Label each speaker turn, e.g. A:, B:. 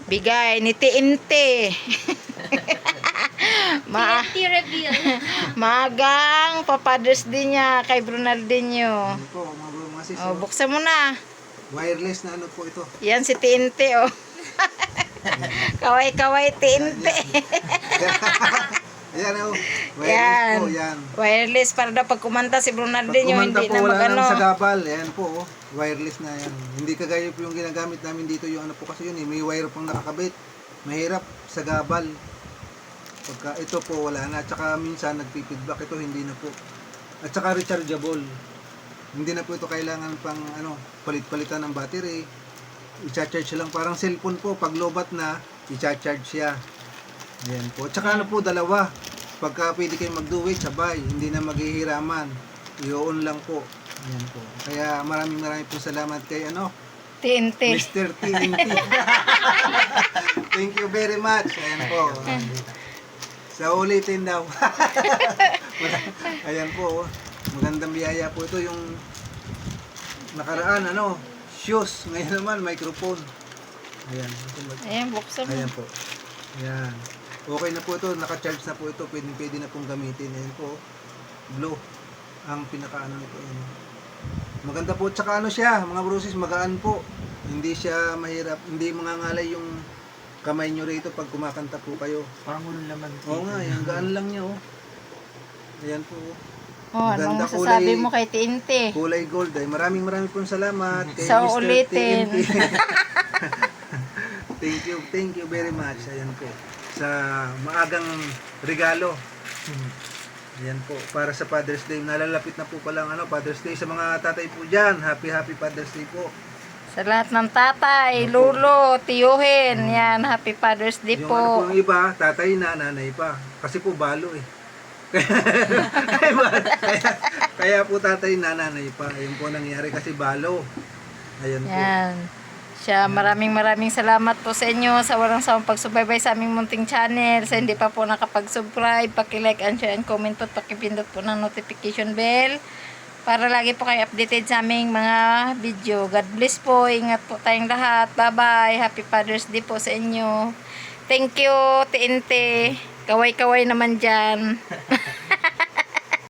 A: Bigay ni TNT.
B: TNT reveal.
A: Maagang papadres din niya kay Bernardinho.
C: Ano po, mga sis,
A: Oh, buksan mo na.
C: wireless na ano po ito.
A: Yan si TNT, oh. Kaway-kaway TNT.
C: Ayan oh, wireless
A: Yan.
C: po, yan.
A: Wireless para daw pag kumanta si
C: Pag
A: Bernardinho,
C: kumanta
A: hindi
C: po,
A: na
C: wala
A: magano.
C: nang sagabal. Ayan po, oh, wireless na yan. Hindi kagaya po yung ginagamit namin dito, yung ano po kasi yun, may wire pang nakakabit. Mahirap, sagabal. Pagka ito po, wala na. At saka minsan, nagpipidback ito, hindi na po. At saka rechargeable. Hindi na po ito kailangan pang ano, palit-palitan ng battery. I-charge lang, parang cellphone po. Pag lobat na, i-charge siya. Ayan po. At saka ano po, dalawa. Pagka pwede kayo mag-do-it, sabay. Hindi na maghihiraman. I-on lang po. Ayan po. Kaya maraming po salamat kay ano,
A: TNT.
C: Mr. TNT. Thank you very much. Ayan po. Sa ulitin daw. Ayan po. Magandang biyaya po ito. Yung nakaraan, ano, shoes. Ngayon naman, microphone. Ayan.
A: Ayan, buksan mo.
C: Ayan po. Ayan. Okay na po ito. Naka-charge na po ito. Pwede na pong gamitin. Ayan po. Blue. Ang pinaka-ano nito. Ayan. Maganda po. Tsaka ano siya, mga brusis, magaan po. Hindi siya mahirap. Hindi mangangalay yung kamay nyo rito pag kumakanta po kayo.
D: Parang walang laman.
C: Oo nga, yung gaan lang niya, oh. Ayan po, oh.
A: Oh, anong
C: Maganda
A: masasabi
C: kulay.
A: mo kay TNT?
C: Kulay gold. Ay, maraming pong salamat kay
A: Sa
C: Mr.
A: ulitin.
C: TNT. Thank you very much. Ayan po. Sa maagang regalo. Ayan po, para sa Father's Day. Nalalapit na po palang ano, Father's Day. Sa mga tatay po dyan, happy Father's Day po.
A: Sa lahat ng tatay, lulo, tiyuhin, yan, happy Father's Day
C: Yung
A: po.
C: ano po yung iba, tatay na, nanay pa. Kasi po balo eh. kaya po tatay na, nanay pa. Ayun po nangyari kasi balo. Ayan po.
A: Yan. Siya, maraming salamat po sa inyo sa walang sawang pagsubaybay sa aming munting channel. Sa hindi pa po nakapag-subscribe, paki-like and share and comment at pakipindot po ng notification bell para lagi po kayo updated sa aming mga video. God bless po. Ingat po tayong lahat. Bye-bye. Happy Father's Day po sa inyo. Thank you, TNT. Kaway-kaway naman dyan.